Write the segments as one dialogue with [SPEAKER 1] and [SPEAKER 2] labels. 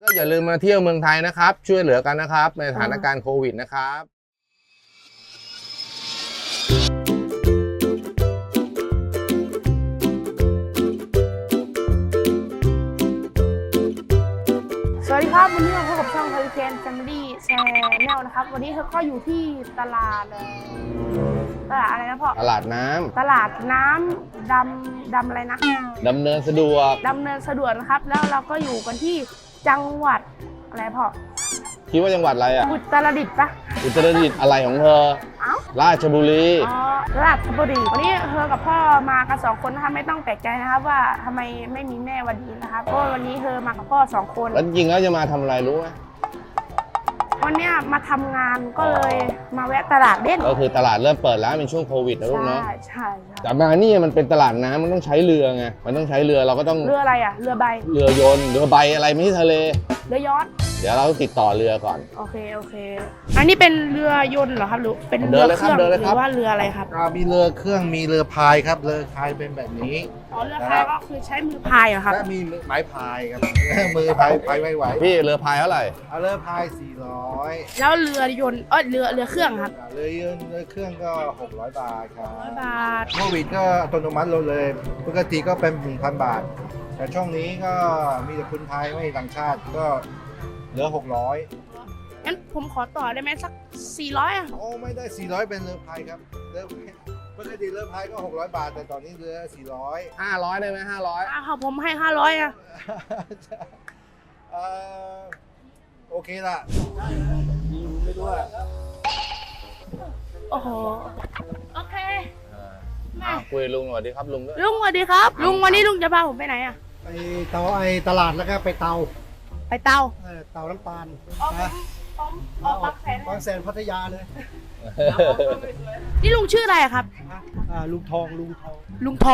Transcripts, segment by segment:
[SPEAKER 1] ก็อย่าลืมมาเที่ยวเมืองไทยนะครับช่วยเหลือกันนะครับในสถานการณ์โควิดนะครับ
[SPEAKER 2] สวัสดีครับวันนี้เราพบกับช่อง Hurricane Family Channel นะครับวันนี้เราก็อยู่ที่ตลาดอะไรนะพ่อ
[SPEAKER 1] ตลาดน้ำ
[SPEAKER 2] ตลาดน้ำดำอะไรนะ
[SPEAKER 1] ดำเนินสะดวก
[SPEAKER 2] นะครับแล้วเราก็อยู่กันที่จังหวัดอะไรพ่อ
[SPEAKER 1] คิดว่าจังหวัดอะไรอ่ะ
[SPEAKER 2] อุตรดิตถ์ปะ
[SPEAKER 1] อุตรดิตถ์อะไรของเธอราชบุรี
[SPEAKER 2] ราชบุรีวันนี้เธอกับพ่อมากัน2 คนนะคะไม่ต้องแปลกใจนะครับว่าทำไมไม่มีแม่วันนี้นะครับเพราะวันนี้เธอมากับพ่อ2 คน
[SPEAKER 1] แล้วจริงแล้วจะมาทำอะไรรู้ไหม
[SPEAKER 2] วันนี้มาทำงานก็เลยมาแวะตลาดเล่น
[SPEAKER 1] ก็คือตลาดเริ่มเปิดแล้วเป็นช่วงโควิดนะลูกเนาะ
[SPEAKER 2] ใช่
[SPEAKER 1] แต่มานี่มันเป็นตลาดน้ำมันต้องใช้เรือไงมันต้องใช้เรือเราก็ต้อง
[SPEAKER 2] เรืออะไรอ่ะเรือใบ
[SPEAKER 1] เรือยนต์เรือใบอะไรไม่ใช่ทะเล
[SPEAKER 2] เรือยอชต์
[SPEAKER 1] เดี๋ยวเราติดต่อเรือก่อน
[SPEAKER 2] โอเคอันนี้เป็นเรือยนต์เหรอครับหรือเป็นเรือเครื่องหรือว่าเรืออะไรครับ
[SPEAKER 3] มีเรือเครื่องมีเรือพายครับเรือพายเป็นแบบนี้
[SPEAKER 2] เรือพายก็คือใช้มือพายเหรอครับ
[SPEAKER 3] และมีไม้พายครับมือพายไม่ไหว
[SPEAKER 1] พี่เรือพายเท่าไหร่
[SPEAKER 3] เรือพาย400
[SPEAKER 2] แล้วเรือยนต์เรือเครื่องครับ
[SPEAKER 3] เรือเครื่องก็600 บาทครับ
[SPEAKER 2] 600 บาท
[SPEAKER 3] โควิดก็อัตโนมัติลงเลยปกติก็เป็น 1,000 บาทแต่ช่วงนี้ก็มีแต่คนไทยไม่ต่างชาติก็เหลือ600
[SPEAKER 2] งั้นผมขอต่อได้ไหมสัก400อ่ะ
[SPEAKER 3] โอ้ไม่ได้400เป็นเรือพายครับปกติเรือพายก็600 บาทแต่ตอนนี้เรือ
[SPEAKER 1] 500ได้ไหม500
[SPEAKER 2] ผมให้500อ่ะ
[SPEAKER 3] โอเคละไม่รู้อะ
[SPEAKER 2] โอ้โหโอเค
[SPEAKER 1] คุยลุงสวัสดีครับลุงด้วย
[SPEAKER 2] ลุงสวัสดีครับลุงวันนี้ลุงจะพาผมไปไหนอ่ะ
[SPEAKER 3] ไปตลาดแล้วก็ไปเตาน้ำตาลนะ
[SPEAKER 2] บ
[SPEAKER 3] างแสนพัทยาเลย
[SPEAKER 2] นี่ลุงชื่ออะไรครับ
[SPEAKER 3] ลุงทอง
[SPEAKER 2] อ๋อ
[SPEAKER 1] ลุงท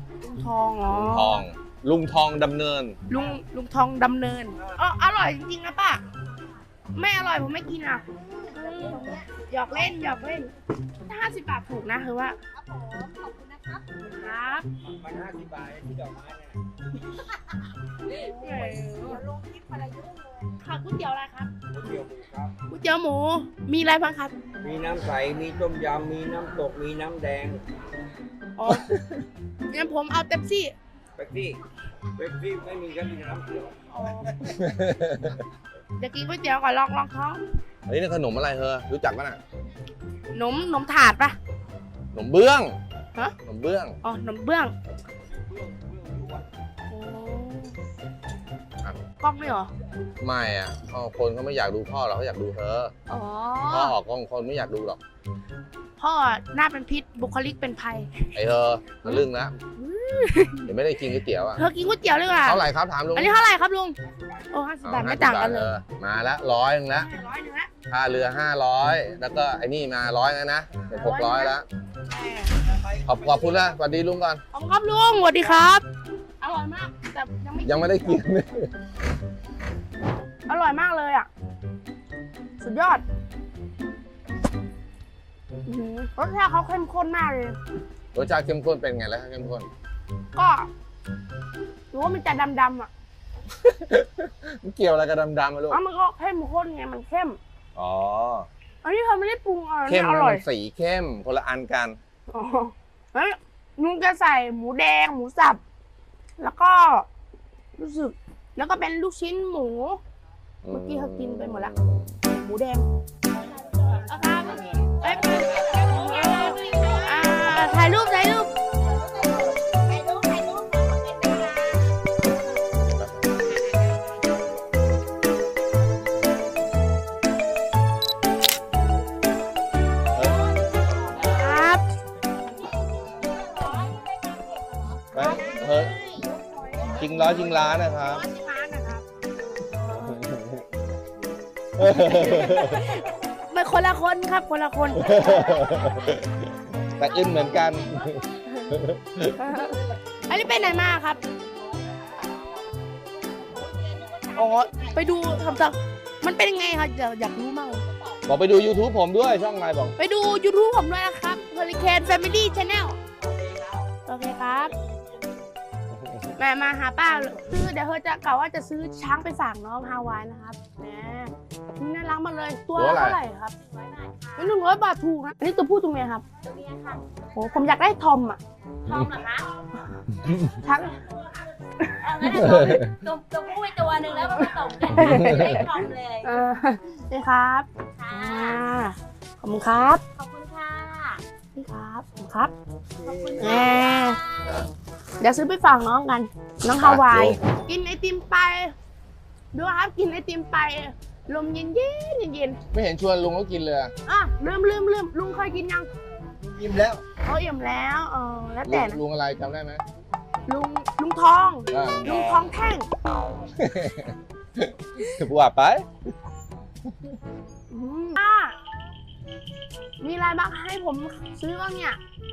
[SPEAKER 1] องดำเนิน
[SPEAKER 2] ลุงทองดำเนินอร่อยจริงๆนะป้าไม่อร่อยผมไม่กินอ่ะหยอกเล่นถ้า50 บาทถูกนะคือว่า
[SPEAKER 4] ขอบคุณนะครับ
[SPEAKER 2] ครับ
[SPEAKER 3] มัน50 บาทที่ดอกไม้
[SPEAKER 4] เนี่ยลงคลิปอะไรเยอะเลย
[SPEAKER 2] ค่ะก๋วยเตี๋ยวอะไรครับ
[SPEAKER 3] ก๋วยเตี๋ยวหมูครับ
[SPEAKER 2] ก๋วยเตี๋ยวหมูมีอะไรบ้างครับ
[SPEAKER 5] มีน้ำใสมีต้มยำมีน้ำตกมีน้ำแดง
[SPEAKER 2] อ๋องั้นผมเอาเป๊ปซี่
[SPEAKER 5] ไม่มีก็มีน้ำเขียว
[SPEAKER 2] จะกินก๋วยเตี๋ยวก่อนลองท้อง
[SPEAKER 1] อันนี้ขนมอะไรเธอรู้จักป่ะน่ะ
[SPEAKER 2] ขนมถาดป่ะ
[SPEAKER 1] ขนมเบื้อง
[SPEAKER 2] ฮะ
[SPEAKER 1] ขนมเบื้อง
[SPEAKER 2] ขนมเบื้องกล้องไม่หรอ
[SPEAKER 1] ไม่อ่ะคนเขาไม่อยากดูพ่อหรอกเขาอยากดูเธอพ่อออกกล้องคนไม่อยากดูหรอก
[SPEAKER 2] พ่อหน้าเป็นพิษบุคลิกเป็นภัย
[SPEAKER 1] ไอเธอทะลึ่งนะเดี๋ยวไม่ได้กินก๋วยเตี๋ยวอ่ะ
[SPEAKER 2] เธอกินก๋วยเตี๋ยวเลยอ่ะ
[SPEAKER 1] เท่าไหร่ครับถามลุง
[SPEAKER 2] อันนี้เท่าไหร่ครับลุง50 บาทไม่ต่างกันเลย
[SPEAKER 1] มาละ100 นึงละค่าเรือ500แล้วก็ไอ้นี่มา100แล้วนะเป็น600แล้วขอบคุณนะสวัสดีลุงก่อน
[SPEAKER 2] ขอบคุณครับลุงสวัสดีครับอร่อยมากแต่
[SPEAKER 1] ยังไม่ได้กิน
[SPEAKER 2] อร่อยมากเลยอ่ะสุดยอดรสชาติเขาเข้มข้นมากเลย
[SPEAKER 1] รสชาติเข้มข้นเป็นไงแล้วเข้มข้น
[SPEAKER 2] ก็รู้ว่ามันจะดำๆอ่ะ
[SPEAKER 1] มันเกี่ยวอะไรกับดำๆอ่ะลูก
[SPEAKER 2] มันก็เข้มข้นไงมันเข้มอันนี้เธอไม่ได้ปรุงอะไร
[SPEAKER 1] เข้มอร่อยสีเข้มคนละอันกัน
[SPEAKER 2] แล้วนุ้งจะใส่หมูแดงหมูสับแล้วก็รู้สึกแล้วก็เป็นลูกชิ้นหมูเมื่อกี้เขากินไปหมดแล้วหมูแดงถ่ายรูปครับ
[SPEAKER 1] จริงร้อยจริงล้านนะครับ
[SPEAKER 2] ไม่คนละคนครับคนละคน
[SPEAKER 1] แต่อึ้นเหมือนกัน
[SPEAKER 2] อันนี้ไปไหนมาครับไปดูทำจากมันเป็นยังไงครับอยากรู้มาก
[SPEAKER 1] บอกไปดู YouTube ผมด้วยช่องอะไรบอก
[SPEAKER 2] ไปดู YouTube ผมด้วยนะครับ Hurricane Family Channel โอเคครับแม่มาหาป้าซื้อเดี๋ยวเธอจะกล่าวว่าจะซื้อช้างไปฝากน้องฮาวายนะครับแหมนี่น่ารักมากเลยตัวละเท่าไหร่ครับ100 บาทถูกนะอันนี้ตัวผู้ตัวเมียครับ
[SPEAKER 4] ตัวนี้ค่ะ
[SPEAKER 2] โหผมอยากได้ทอมอ่ะ
[SPEAKER 4] ทอมเหรอคะ
[SPEAKER 2] ช้าง
[SPEAKER 4] เอางั้นเดี๋ยวตัวผู้ไปตัวหนึ่งแล้วก็ผสมกันได้ทอมเลย
[SPEAKER 2] นี่ครับ
[SPEAKER 4] ค่ะ
[SPEAKER 2] ขอบคุณครับ
[SPEAKER 4] ขอบคุณค่ะ
[SPEAKER 2] นี่ครับขอบคุณครับ
[SPEAKER 4] ขอบคุณ
[SPEAKER 2] แห
[SPEAKER 4] ค่ะ
[SPEAKER 2] มเดี๋ยวซื้อไปฝากน้องกัน น้องฮาวาย กินไอติมไป ดูครับกินไอติมไป ลมเย็นเย็น
[SPEAKER 1] ไม่เห็นชวนลุงก็กินเลยอะ
[SPEAKER 2] อ่ะลืมลุงเคยกินยัง
[SPEAKER 3] ยิ้มแล้ว
[SPEAKER 2] เขาอิ่มแล้วแล้วแต่นะ
[SPEAKER 1] ลุงอะไรจำได้ไหม
[SPEAKER 2] ลุงทอง
[SPEAKER 1] อ่า
[SPEAKER 2] ลุงทองแท่ง
[SPEAKER 1] ว่าไป
[SPEAKER 2] มีอะไรบ้างให้ผมซื้อบ้างเนี่ย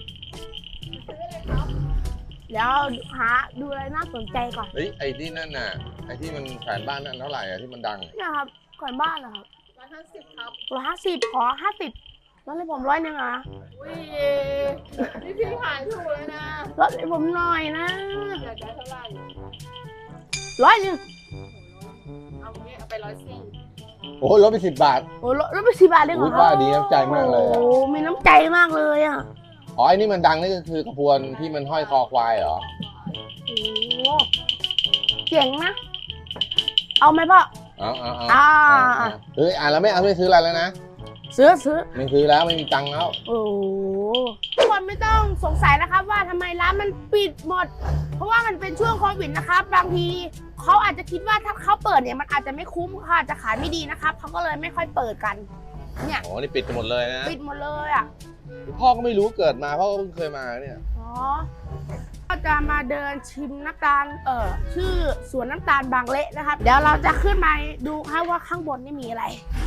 [SPEAKER 2] เดี๋ยวหาดูอะไรน่าสนใจก่อน
[SPEAKER 1] เฮ้ยไอ้ที่นั่นน่ะไอ้ที่มันแขวนบ้านนั่นเท่าไหร่อะที่มันดัง
[SPEAKER 2] เนี่ยครับก่อนบ้านเหรอครับ
[SPEAKER 4] 150ครับ
[SPEAKER 2] 150ขอ50ลดให้ผม100นึงอ่ะ
[SPEAKER 4] อุ้ยนี่พี่ขายถูกเลยนะ
[SPEAKER 2] ลดให้ผมหน่อยนะ
[SPEAKER 4] อยากได้เท่าไหร่
[SPEAKER 2] 100นึง
[SPEAKER 4] เอางี้เอาไป140
[SPEAKER 1] โอ้ลดไป10 บาท
[SPEAKER 2] โอ้ลดไป10 บาทได้เหร
[SPEAKER 1] อุ๊
[SPEAKER 2] อย
[SPEAKER 1] ป้าดีน้ำใจมากเลยอะ
[SPEAKER 2] โอ้มีน้ำใจมากเลยอ่ะ
[SPEAKER 1] อ๋อไอ้นี่มันดังนี่ก็คือกระพวนที่มันห้อยคอควายเหรอ
[SPEAKER 2] โอ้เจ๋งนะ เอาไหมพ่อ
[SPEAKER 1] เอา
[SPEAKER 2] อ่า
[SPEAKER 1] เฮ้ยแล้วไม่ซื้ออะไรแล้วนะ
[SPEAKER 2] ซื้อ
[SPEAKER 1] ไม่ซื้อแล้วไม่มีตังค์แล้ว
[SPEAKER 2] โอ้ทุกคนไม่ต้องสงสัยนะครับว่าทำไมร้านมันปิดหมด เพราะว่ามันเป็นช่วงโควิดนะครับ บางทีเขาอาจจะคิดว่าถ้าเขาเปิดเนี่ยมันอาจจะไม่คุ้มค่ะอาจจะขายไม่ดีนะครับเขาก็เลยไม่ค่อยเปิดกัน เนี่ย
[SPEAKER 1] อ๋อนี่ปิดกันหมดเลยนะ
[SPEAKER 2] ปิดหมดเลยอ่ะ
[SPEAKER 1] พ่อก็ไม่รู้เกิดมาพ่อก็เพิ่งเคยมาเนี่ย
[SPEAKER 2] อ๋อก็จะมาเดินชิมน้ำตาลชื่อสวนน้ำตาลบางเละนะครับ เดี๋ยวเราจะขึ้นไปดูครับว่าข้างบนนี่มีอะไร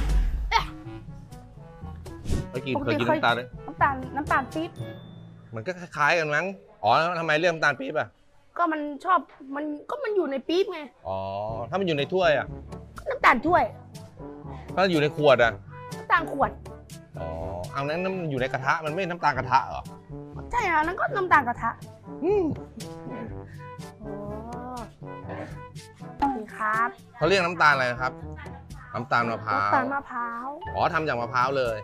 [SPEAKER 1] เคยกินน้ำตาลเลย
[SPEAKER 2] น้ำตาลปี๊บ
[SPEAKER 1] มันก็คล้ายๆกันมั้ง อ๋อแล้วทำไมเรียกน้ำตาลปี๊บอ่ะ
[SPEAKER 2] ก็มันชอบมันอยู่ในปี๊บไง
[SPEAKER 1] อ๋อ ถ้ามันอยู่ในถ้วยอ่ะ
[SPEAKER 2] น้ำตาลถ้วย
[SPEAKER 1] ถ้าอยู่ในขวดอ่ะ
[SPEAKER 2] น้ำตาลขวด
[SPEAKER 1] อ๋อ เอานั้นมันอยู่ในกระทะ มันไม่น้ำตาลกระทะเหรอ
[SPEAKER 2] ใช่อ่ะนั่นก็น้ำตาลกระทะนี่ครับ
[SPEAKER 1] เขาเรียกน้ำตาลอะไรนะครับ น้ำตาลมะพร้าว
[SPEAKER 2] น้ำตาลมะพร้าว
[SPEAKER 1] อ๋อทำจากมะพร้าวเลย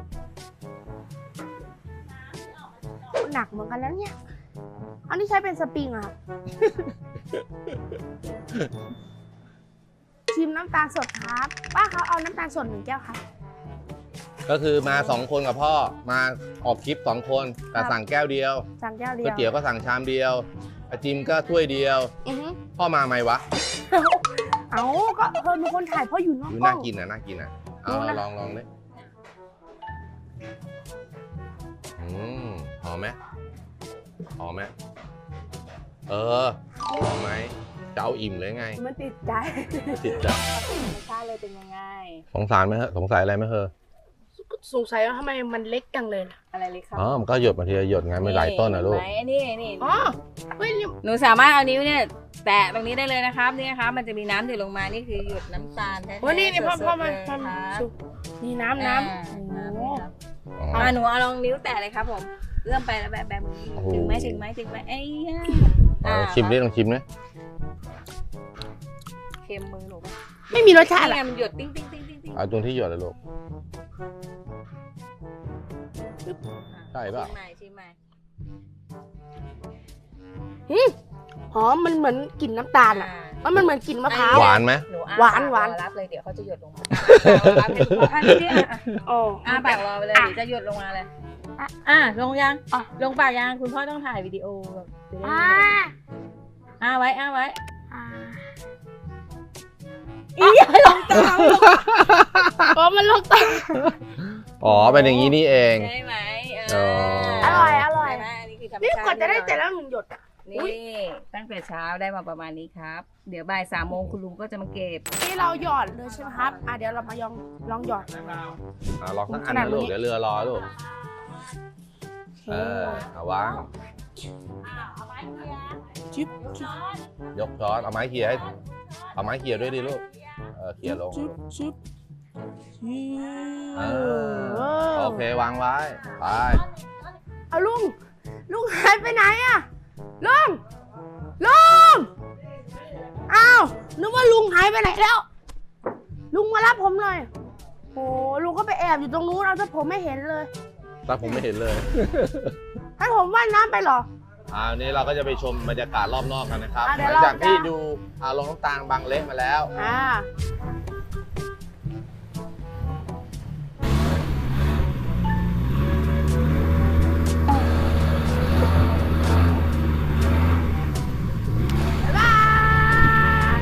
[SPEAKER 2] หนักเหมือนกันแล้วเนี่ย อันนี้ใช้เป็นสปริงอะครับ ชิมน้ำตาลสดครับป้าเขาเอาน้ำตาลสด1 แก้วครับ
[SPEAKER 1] ก็คือมา2 คนกับพ่อ มาออกคลิป2 คน แต่สั่งแก้วเดียว
[SPEAKER 2] สั่งแก้วเดี
[SPEAKER 1] ก๋วยเตี๋ยวก็สั่งชามเดียวไอจิมก็ถ้วยเดียว
[SPEAKER 2] อือฮึ
[SPEAKER 1] พ่อมาไหมวะ
[SPEAKER 2] เอาก็เธอเป็นคนถ่ายเพราะอยู่นอก
[SPEAKER 1] ดู
[SPEAKER 2] กล้
[SPEAKER 1] น่า
[SPEAKER 2] อง
[SPEAKER 1] กินนะน่ากินนะเอา
[SPEAKER 2] ดูนะ
[SPEAKER 1] ลองดิหอมไหมหอมไหมหอมไหมจะเอาอิ่มเลยไง
[SPEAKER 2] มันติดใจ
[SPEAKER 1] ติดใจ
[SPEAKER 4] รสชาติเลยเป็นยังไง
[SPEAKER 1] สงสารไหมฮะสงสัยอะไรไหมเธอ
[SPEAKER 2] สงสัยว่าทำไมมันเล็กจังเลยล่ะ
[SPEAKER 4] อะไรเลยครับ
[SPEAKER 1] อ๋อมันก็หยดมาทีละหยดไงไม่หลายต้นนะลูก
[SPEAKER 4] เห็นไหมนี่
[SPEAKER 2] อ๋อเฮ้ยนี่
[SPEAKER 4] หนูสามารถเอานิ้วเนี่ยแตะตรงนี้ได้เลยนะครับนี่นะครับมันจะมีน้ำหยดลงมานี่คือหยดน้ำตาลแท้ๆ
[SPEAKER 2] โอ้นี่พ่อ
[SPEAKER 4] สดๆ
[SPEAKER 2] มา
[SPEAKER 4] เลยครับ
[SPEAKER 2] สุกนี่น้ำ
[SPEAKER 4] อ่า
[SPEAKER 2] โอ้
[SPEAKER 1] อ๋อ
[SPEAKER 4] หนูเอาลองนิ้วแตะเลยครับผมเอื้อมไปแล้วแบบมือ
[SPEAKER 1] โอ้โห
[SPEAKER 4] ถึงไหมไอ้ย่า
[SPEAKER 1] เอาชิมดิลองชิมนะ
[SPEAKER 4] เค็มมือหนูปะ
[SPEAKER 2] ไม่มีรสชาติ
[SPEAKER 4] นี่
[SPEAKER 2] อะ
[SPEAKER 4] ไงมันหยดติ้ง
[SPEAKER 1] เอาตรงที่หยดเลยลูกใช่ป่ะ
[SPEAKER 4] ชิมใหม่
[SPEAKER 2] หอมมันเหมือนกลิ่นน้ำตาลอะมันเหมือนกลิ่นมะพร้าว
[SPEAKER 1] หวานไหม
[SPEAKER 4] หนูอ้
[SPEAKER 2] หวาน
[SPEAKER 4] ปก
[SPEAKER 2] หวาน
[SPEAKER 4] รอรับเลยเดี๋ยวเขาจะหยดลงมารับให้ดูอันนี้อ่ะ
[SPEAKER 2] โอ้
[SPEAKER 4] ปากรอไปเลยเดี๋ยวจะหยดลงมาเลยลงยังลงปากยังคุณพ่อต้องถ่ายวิดีโอแบบจะได้ไว้
[SPEAKER 2] อ่า
[SPEAKER 4] อีอย่าลงตาม
[SPEAKER 2] เพราะมันลงตา
[SPEAKER 1] อ๋อเป็นอย่างนี้นี่เอง
[SPEAKER 4] ใช่ไหม
[SPEAKER 2] อร่อย
[SPEAKER 4] ใช่ไหมอันนี้คือธรรม
[SPEAKER 2] นี่
[SPEAKER 4] ชาติ
[SPEAKER 2] กว่าจะได้แต่ละ1 หยดอะ
[SPEAKER 4] นี่ตั้งแต่เช้าได้มาประมาณนี้ครับ เดี๋ยวบ่าย3 โมงคุณลุงก็จะมาเก็บ
[SPEAKER 2] นี่เราหยอดเลยใช่ไหมครับเดี๋ยวเรามาลองหยอด
[SPEAKER 1] ลองสักอันนะลูกเดี๋ยวเรือรอลูกเอาวาง
[SPEAKER 2] จิ๊บ
[SPEAKER 1] ยกช้อนเอาไม้เขี่ยให้เอาไม้เขี่ยด้วยดิลูกเขี่ยลง
[SPEAKER 2] จิ๊บ
[SPEAKER 1] โอเควางไว้ไป
[SPEAKER 2] เอาลุงหายไปไหนอะลุงอ้าวนึกว่าลุงหายไปไหนแล้ว ลุงมารับผมหน่อยโอ้ลุงก็ไปแอบอยู่ตรงนู้นเอาแต่ผมไม่เห็นเลย
[SPEAKER 1] แต่ผมไม่เห็นเลย
[SPEAKER 2] ให้ผมว่ายน้ำไปเหรอ
[SPEAKER 1] วันนี้เราก็จะไปชมบรรยากาศรอบนอกกันนะครับ
[SPEAKER 2] เดี๋
[SPEAKER 1] ห
[SPEAKER 2] ยว
[SPEAKER 1] ลัง
[SPEAKER 2] เรา
[SPEAKER 1] จากที่
[SPEAKER 2] จะ
[SPEAKER 1] ดูลงน้ำตาลบางเละมาแล้ว
[SPEAKER 2] บ๊ายบาย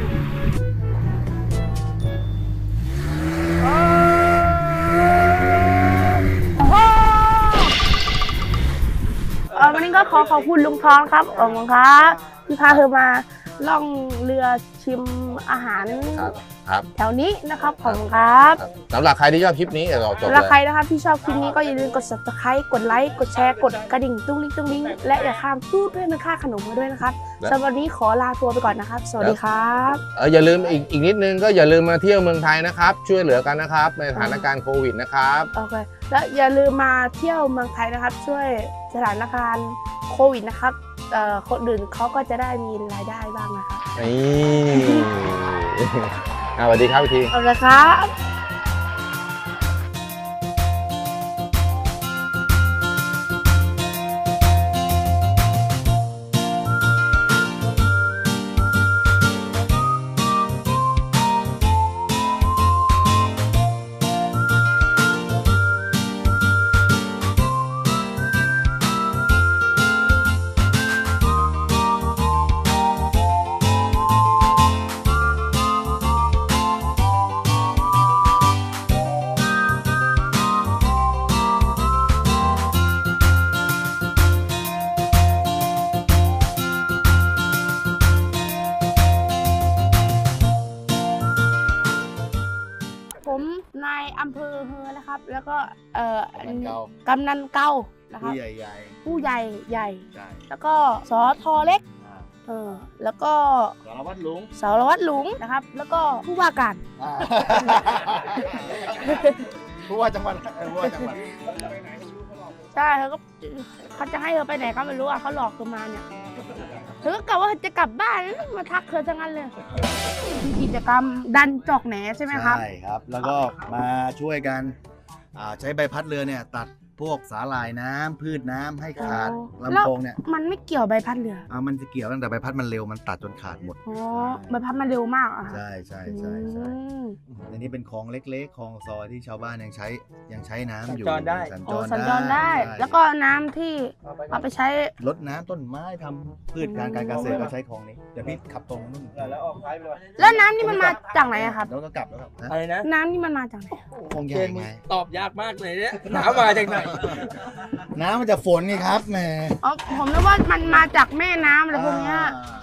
[SPEAKER 2] วันนี้ก็ขอบคุณลุงทองครับขอบคุณครับที่พาเธอมาล่องเรือชิมอาหาร
[SPEAKER 1] ครับ
[SPEAKER 2] แถวนี้นะครับขอบคุณครับ
[SPEAKER 1] สำหรับใครที่ชอบคลิปนี้เดี๋ยวเราจบ
[SPEAKER 2] สำห
[SPEAKER 1] เล
[SPEAKER 2] รับใคร
[SPEAKER 1] ย
[SPEAKER 2] นะครับที่ชอบคลิปนี้ก็อย่าลืมกด subscribe กดไลค์กดแชร์กดกระดิ่งตุ้งลิ้งและอย่าข้ามพูดด้วยมันค่าขนมมาด้วยนะครับสำหรับวันนี้ขอลาตัวไปก่อนนะครับ สวัสดีครับ
[SPEAKER 1] อย่าลืมอีกนิดนึงก็อย่าลืมมาเที่ยวเมืองไทยนะครับ ช่วยเหลือกันนะครับในสถานการณ์โควิดนะครับ
[SPEAKER 2] โอเคแล้วอย่าลืมมาเที่ยวเมืองไทยนะครับ ช่วยสถานการณ์โควิดนะครับคนอื่นเขาก็จะได้มีรายได้บ้างนะครับ
[SPEAKER 1] นี่สวัสดีครับอีกที
[SPEAKER 2] เอาละครับ ผมนายอำเภอเฮอนะครับ แล้วก็กำนันเก่านะครับ
[SPEAKER 3] ผู้ใหญ่
[SPEAKER 2] ผู้ใหญ่ใหญ่
[SPEAKER 3] ๆใช่
[SPEAKER 2] แล้วก็สอทอเล็กแล้วก็
[SPEAKER 3] สารวัตรลุง
[SPEAKER 2] สารวัตรหลุงนะครับ แล้วก็ผู้ว่าการ
[SPEAKER 3] ผู้ว่าจังหวัดผู้ว่าจังหวัด
[SPEAKER 2] ใช่เขาจะให้เธอไปไหนก็ไม่รู้อ่ะเขาหลอกเธอมาเนี่ยเธอก็กะว่าจะกลับบ้านมาทักเธอทั้งนั้นเลยมีกิจกรรมดันจอกแหนใช่ไหมครับ
[SPEAKER 3] ใช่ครับ แล้วก็มาช่วยกันใช้ใบพัดเรือเนี่ยตัดพวกสาหร่ายน้ำพืชน้ำให้ขาด
[SPEAKER 2] แล้ว
[SPEAKER 3] ลำโพงเนี่ย
[SPEAKER 2] มันไม่เกี่ยวใบพัดเรือ
[SPEAKER 3] มันจะเกี่ยวตั้งแต่ใบพัดมันเร็วมันตัดจนขาดหมด
[SPEAKER 2] อ๋อใบพัดมันเร็วมากอ่ะ
[SPEAKER 3] ใช่ใช่
[SPEAKER 2] อื
[SPEAKER 3] ใช่ใช่
[SPEAKER 2] ม
[SPEAKER 3] อันนี้เป็นคลองเล็กๆคลองซอยที่ชาวบ้านยังใช้น้ำอยู่
[SPEAKER 5] สัญจรได้
[SPEAKER 2] อ๋อสัญจรได้ แล้วก็น้ำที่เอาไปใช้
[SPEAKER 3] รดน้ำต้นไม้ทำพืชการเกษตรก็ใช้คลองนี้เดี๋ยวพี่ขับตรงนู่น
[SPEAKER 5] แล้วออกซ้ายไปเลย
[SPEAKER 2] แล้วน้ำนี่มันมาจากไหนอะครับ
[SPEAKER 3] แล้วก็กลับแล้วครับฮะ
[SPEAKER 5] อะไรนะ
[SPEAKER 2] น้ำนี่มันมาจากไหน
[SPEAKER 3] คลองให
[SPEAKER 5] เจ
[SPEAKER 3] ญ่
[SPEAKER 5] นมึง
[SPEAKER 3] ไง
[SPEAKER 5] ตอบยากมากเลยเนี่ยหนามาจากไหน
[SPEAKER 3] น้ำมันจะฝนไงครับแหม
[SPEAKER 2] อ๋อผมนึกว่ามันมาจากแม่น้ำอะไรพวกเนี้ย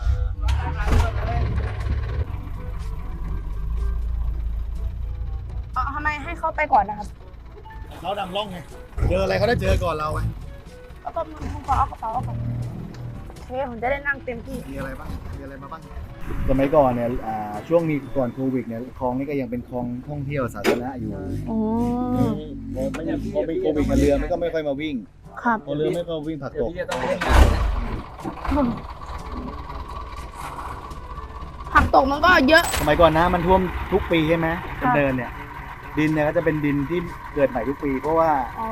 [SPEAKER 2] ทำไมให้เขาไปก่อนนะครับ
[SPEAKER 3] เราดำร่องไงเจออะไรเขาได้เจอก่อนเราไง
[SPEAKER 2] แล้วก็ผมขอเอากระเป๋าออกก่อนโอเคผมจะได้นั่งเต็มที่
[SPEAKER 3] มีอะไรบ้างมีอะไรมาบ้างสมัยก่อนเนี่ยช่วงนี้ก่อนโควิดเนี่ยคลองนี้ก็ยังเป็นคลองท่องเที่ยวสาธารณะอยู่
[SPEAKER 2] อ๋อ
[SPEAKER 3] พอมีโควิดมาเรือมันก็ไม่ค่อยมาวิ่ง
[SPEAKER 2] ครับ
[SPEAKER 3] พอเรือไม่ค่อยวิ่งผัก
[SPEAKER 5] เดี๋ย
[SPEAKER 3] ต
[SPEAKER 5] ว
[SPEAKER 3] ก
[SPEAKER 5] พี่จะต้องเล่นงานนะ
[SPEAKER 2] ผักตกมันก็เยอะ
[SPEAKER 3] สมัยก่อนน้ำมันท่วมทุกปีใช่ไหม
[SPEAKER 2] ครับ
[SPEAKER 3] เดินเนี่ย ดินเนี่ยก็จะเป็นดินที่เกิดใหม่ทุกปี เพราะว่า
[SPEAKER 2] อ๋อ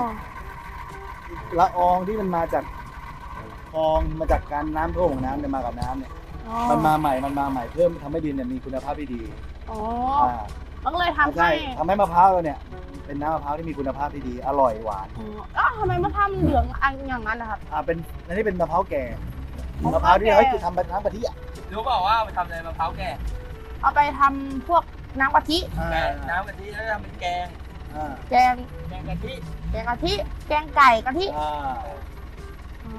[SPEAKER 3] ละอองที่มันมาจากคลองมาจากการน้ำท่วมของน้ำเนี่ยมากับน้ำเนี่ย
[SPEAKER 2] อ๋อ
[SPEAKER 3] มันมาใหม่เพิ่มทำให้ดินเนี่ยมีคุณภาพที่ดี
[SPEAKER 2] อ๋อ
[SPEAKER 3] อ่า
[SPEAKER 2] มันก็เลยทำ
[SPEAKER 3] ใช่
[SPEAKER 2] ให้
[SPEAKER 3] ทำให้มะพร้าวเราเนี่ยเป็นน้ำมะพร้าวที่มีคุณภาพที่ดีอร่อยหวาน
[SPEAKER 2] อ๋อแล้วทำไมมะพร้าวมันเหลืองอันอย่างนั้นนะครับ
[SPEAKER 3] เป็นอันนี้เป็นมะพร้าวแก่
[SPEAKER 2] มะ
[SPEAKER 3] มะ
[SPEAKER 2] พ
[SPEAKER 3] พ
[SPEAKER 2] ร้า
[SPEAKER 3] ร้าว วที่
[SPEAKER 2] แก่
[SPEAKER 3] เขาทำเป็นน้ำกะทิอ่ะ
[SPEAKER 5] รู้เปล่าว่าเอาไปทำอะไรมะพร้าวแก่
[SPEAKER 2] เอาไปทำพวกน้ำกะทิ
[SPEAKER 5] แกงน้ำกะทิแล้วทำเป็นแกง
[SPEAKER 2] แกง
[SPEAKER 5] แกงกะทิ
[SPEAKER 2] แกงกะทิ แกงไก่กะทิ อ๋อ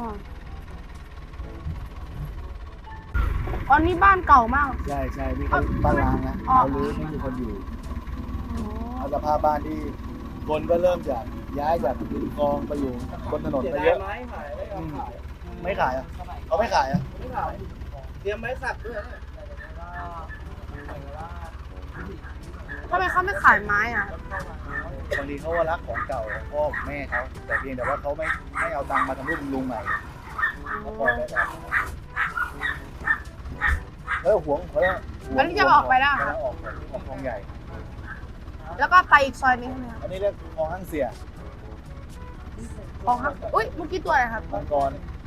[SPEAKER 2] อันนี้บ้านเก่ามาก
[SPEAKER 3] ใช่ใช่นี่เขาบ้านล้างนะ
[SPEAKER 2] อ๋อ
[SPEAKER 3] เขารื้อไม่มีคนอยู่เอาสภาพบ้านที่คนก็เริ่มจากย้ายจากริมคลองไปอยู่บนถนน
[SPEAKER 5] เสีย
[SPEAKER 3] ไป
[SPEAKER 5] ดา
[SPEAKER 3] เย
[SPEAKER 5] ย
[SPEAKER 3] อะ
[SPEAKER 5] ไม้ขายไม่ยอมขาย
[SPEAKER 3] ไม่ขายอ่ะเขาไม่ขายอ่ะ
[SPEAKER 5] ไม่ขายเตรียมไม้สักด้วยนะ
[SPEAKER 2] ทำไมเขาไม่ขายไม้อ่ะ
[SPEAKER 3] บางทีเขาว่ารักของเก่าของพ่อของแม่เขาแต่เพียงแต่ว่าเขาไม่เอาตังค์มาทำรูปบำรุงใหม่เขาปล่อยไปแบบห่วงแล้ว
[SPEAKER 2] อันนี้จะออกไปแล้วเหรอครับ
[SPEAKER 3] ออกคลองใหญ่
[SPEAKER 2] แล้วก็ไปอีกซอยนึงใช่ไหมครับ
[SPEAKER 3] อันนี้เรียกคลองห้างเสีย
[SPEAKER 2] ของครับอุ้ยเมื่อกี้ตัวอะไรครับ
[SPEAKER 3] มังกร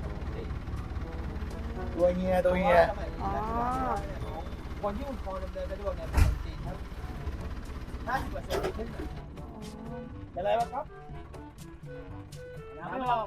[SPEAKER 3] ตัวเฮีย
[SPEAKER 2] อ๋อ
[SPEAKER 5] คนที่คุณพอดำเนินสะดวกเนี่ยเป็นคนจีนครับ50%ขึ้นเป็นไรวะครับน้ำออก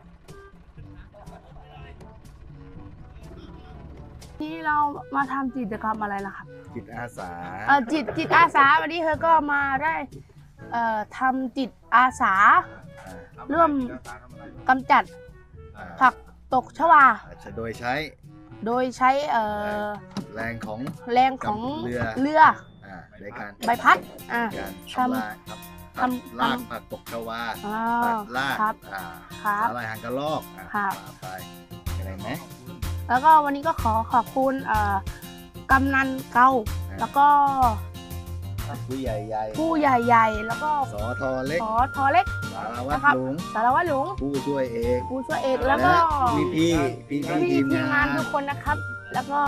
[SPEAKER 2] ที่เรามาทำกิจกรรมอะไรล่ะครับ
[SPEAKER 3] จิตอาสา
[SPEAKER 2] จิตอาสาวันนี้เธอก็มาได้ทำจิตอาสาร่วมกำจัดผักตกชวา
[SPEAKER 3] โดยใช้
[SPEAKER 2] โดยใช้
[SPEAKER 3] แรงของ
[SPEAKER 2] แรงของ
[SPEAKER 3] เรือ
[SPEAKER 2] เรือ
[SPEAKER 3] ในการ
[SPEAKER 2] ใบพัด
[SPEAKER 3] การ
[SPEAKER 2] ทำ
[SPEAKER 3] ลากครับ
[SPEAKER 2] ทำ
[SPEAKER 3] ลากผักตกชวา
[SPEAKER 2] อ๋อ
[SPEAKER 3] ตัดลาก
[SPEAKER 2] ครับ ครับ
[SPEAKER 3] สาหร่ายหางกระรอก
[SPEAKER 2] ครับ
[SPEAKER 3] ว่าไปอะไรไหม
[SPEAKER 2] แล้วก็วันนี้ก็ขอบคุณกำนันเก่าแล้วก็
[SPEAKER 3] ผู้ใหญ่
[SPEAKER 2] ผู้ใหญ่ๆ แล้วก็
[SPEAKER 3] สอทอเล็ก
[SPEAKER 2] ขอทอเล็ก
[SPEAKER 3] สารวัต
[SPEAKER 2] นะ
[SPEAKER 3] ร
[SPEAKER 2] ครับ
[SPEAKER 3] หลวง
[SPEAKER 2] สารวัตรหลวง
[SPEAKER 3] ผู้ช่วยเอก
[SPEAKER 2] ผู้ช่วยเอกแล้วก็
[SPEAKER 3] พี่ที
[SPEAKER 2] พี่
[SPEAKER 3] ม
[SPEAKER 2] ทีมงาง
[SPEAKER 3] าน น
[SPEAKER 2] ทุกคนนะครับ แล้วก็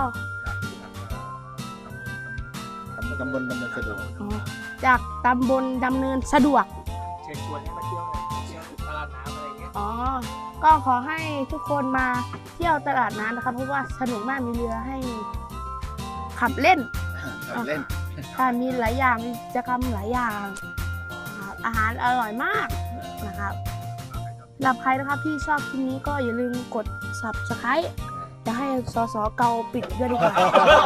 [SPEAKER 3] ตำบลดำเนินสะดวก
[SPEAKER 2] จากตำบลดำเนินสะดวก
[SPEAKER 5] เชิญชวนให้มาเที่ยวหน่อยเที่ยวตลาดน้ำอะไรเงี้ย
[SPEAKER 2] อ๋อ ก็ขอให้ทุกคนมาเที่ยวตลาดน้ำนะครับ เพราะว่าสนุกมากมีเรือให้ขับเล่น
[SPEAKER 3] ขับเล่น
[SPEAKER 2] ค่ะมีหลายอย่างมีกิจกรรมหลายอย่างครับอาหารอร่อยมากนะครับสำหรับใครนะครับที่ชอบคลิปนี้ก็อย่าลืมกด subscribe จะให้สสเกาปิดด้วยดีกว่า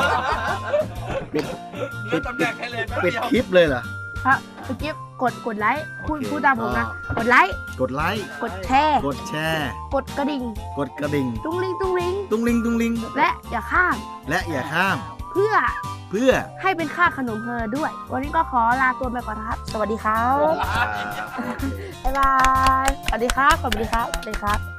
[SPEAKER 3] ปิดคลิปเลยเหรอ
[SPEAKER 2] ครับเมื่อกี้กดไลค์พูดตามผมนะ กดไลค์
[SPEAKER 3] กดไลค์
[SPEAKER 2] กดแชร์
[SPEAKER 3] กดแชร์
[SPEAKER 2] กดกระดิ่ง
[SPEAKER 3] กดกระดิ่ง
[SPEAKER 2] ตุ้งลิงตุ้งลิง
[SPEAKER 3] ตุ้งลิง
[SPEAKER 2] และอย่าข้าม
[SPEAKER 3] และอย่าข้าม
[SPEAKER 2] เพื่อ
[SPEAKER 3] เพื่อ
[SPEAKER 2] ให้เป็นค่าขนมเธอด้วย วันนี้ก็ขอลาตัวไปก่อนนะครับ สวัสดีครับ บ๊ายบาย สวัสดีครับ สวัสดีครับ สวัสดีครับ